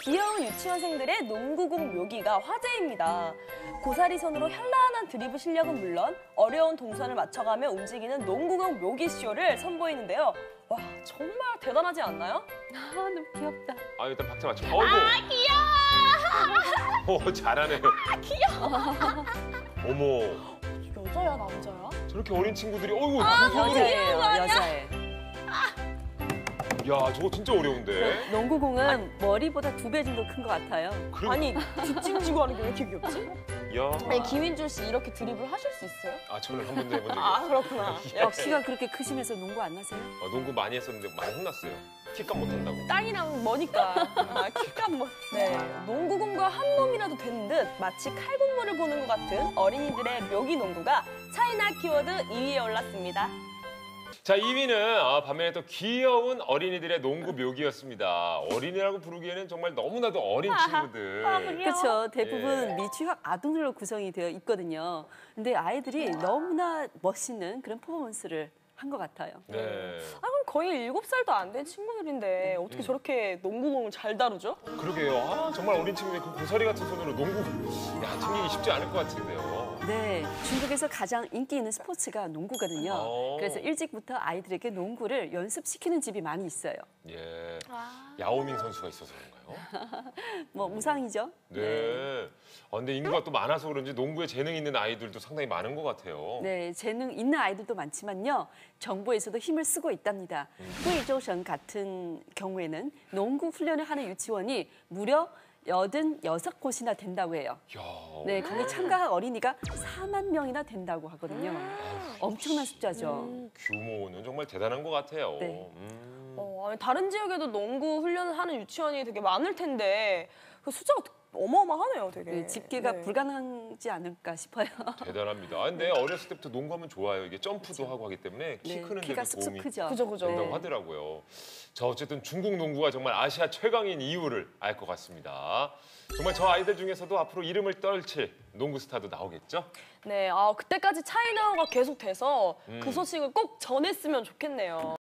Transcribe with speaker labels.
Speaker 1: 귀여운 유치원생들의 농구공 묘기가 화제입니다. 고사리 손으로 현란한 드리블 실력은 물론 어려운 동선을 맞춰가며 움직이는 농구공 묘기쇼를 선보이는데요. 와, 정말 대단하지 않나요?
Speaker 2: 아, 너무 귀엽다.
Speaker 3: 아, 일단 박자 맞춰. 어이구.
Speaker 1: 귀여워!
Speaker 3: 오, 잘하네요.
Speaker 1: 귀여워!
Speaker 3: 어머.
Speaker 1: 여자야, 남자야?
Speaker 3: 저렇게 어린 친구들이 어이구.
Speaker 2: 여자예요, 여자애.
Speaker 3: 야, 저거 진짜 어려운데.
Speaker 2: 농구공은 머리보다 2배 정도 큰 것 같아요.
Speaker 1: 아니, 뒷짐지고 하는 게 왜 이렇게 귀엽지?
Speaker 3: 야.
Speaker 1: 아니, 김인준 씨 이렇게 드리블 하실 수 있어요?
Speaker 3: 아, 저는 한 번도 해본 적이
Speaker 1: 아,
Speaker 3: 없어요.
Speaker 1: 그렇구나.
Speaker 2: 키가 그렇게 크시면서 농구 안 하세요?
Speaker 3: 농구 많이 했었는데 많이 혼났어요. 킥값 못한다고.
Speaker 1: 땅이랑 머니까. 아, 킥값 뭐. 네, 농구공과 한 몸이라도 되는 듯 마치 칼군무를 보는 것 같은 어린이들의 묘기 농구가 차이나 키워드 2위에 올랐습니다.
Speaker 3: 자, 2위는 반면에 또 귀여운 어린이들의 농구 묘기였습니다. 어린이라고 부르기에는 정말 너무나도 어린 친구들.
Speaker 2: 그렇죠. 대부분
Speaker 3: 예.
Speaker 2: 미취학 아동들로 구성이 되어 있거든요. 근데 아이들이 너무나 멋있는 그런 퍼포먼스를 한 것 같아요.
Speaker 3: 네.
Speaker 1: 아, 그럼 거의 7살도 안 된 친구들인데 어떻게 저렇게 농구공을 잘 다루죠?
Speaker 3: 그러게요. 아, 정말 어린 친구들 그 고사리 같은 손으로 농구 챙기기 쉽지 않을 것 같은데요.
Speaker 2: 네, 중국에서 가장 인기 있는 스포츠가 농구거든요.
Speaker 3: 오.
Speaker 2: 그래서 일찍부터 아이들에게 농구를 연습시키는 집이 많이 있어요.
Speaker 3: 예. 야오밍 선수가 있어서 그런가요?
Speaker 2: 뭐 우상이죠.
Speaker 3: 네. 근데 인구가 또 많아서 그런지 농구에 재능 있는 아이들도 상당히 많은 것 같아요.
Speaker 2: 네, 재능 있는 아이들도 많지만요. 정부에서도 힘을 쓰고 있답니다. 후이조성 같은 경우에는 농구 훈련을 하는 유치원이 무려 86곳이나 된다고 해요.
Speaker 3: 야.
Speaker 2: 네, 거기 참가한 어린이가 4만 명이나 된다고 하거든요. 엄청난 숫자죠.
Speaker 3: 규모는 정말 대단한 것 같아요.
Speaker 2: 네.
Speaker 1: 아니, 다른 지역에도 농구 훈련을 하는 유치원이 되게 많을 텐데 그 숫자가 어마어마하네요, 되게.
Speaker 2: 네, 집계가
Speaker 1: 네.
Speaker 2: 불가능하지 않을까 싶어요.
Speaker 3: 대단합니다. 근데 어렸을 때부터 농구하면 좋아요. 이게 점프도 하고 하기 때문에 키
Speaker 2: 네,
Speaker 3: 크는
Speaker 2: 키가
Speaker 3: 데도
Speaker 2: 쑥쑥
Speaker 3: 도움이
Speaker 2: 크죠.
Speaker 1: 그죠.
Speaker 3: 된다고
Speaker 2: 네.
Speaker 3: 하더라고요. 자, 어쨌든 중국 농구가 정말 아시아 최강인 이유를 알 것 같습니다. 정말 저 아이들 중에서도 앞으로 이름을 떨칠 농구 스타도 나오겠죠?
Speaker 1: 네, 그때까지 차이나가 계속돼서 그 소식을 꼭 전했으면 좋겠네요.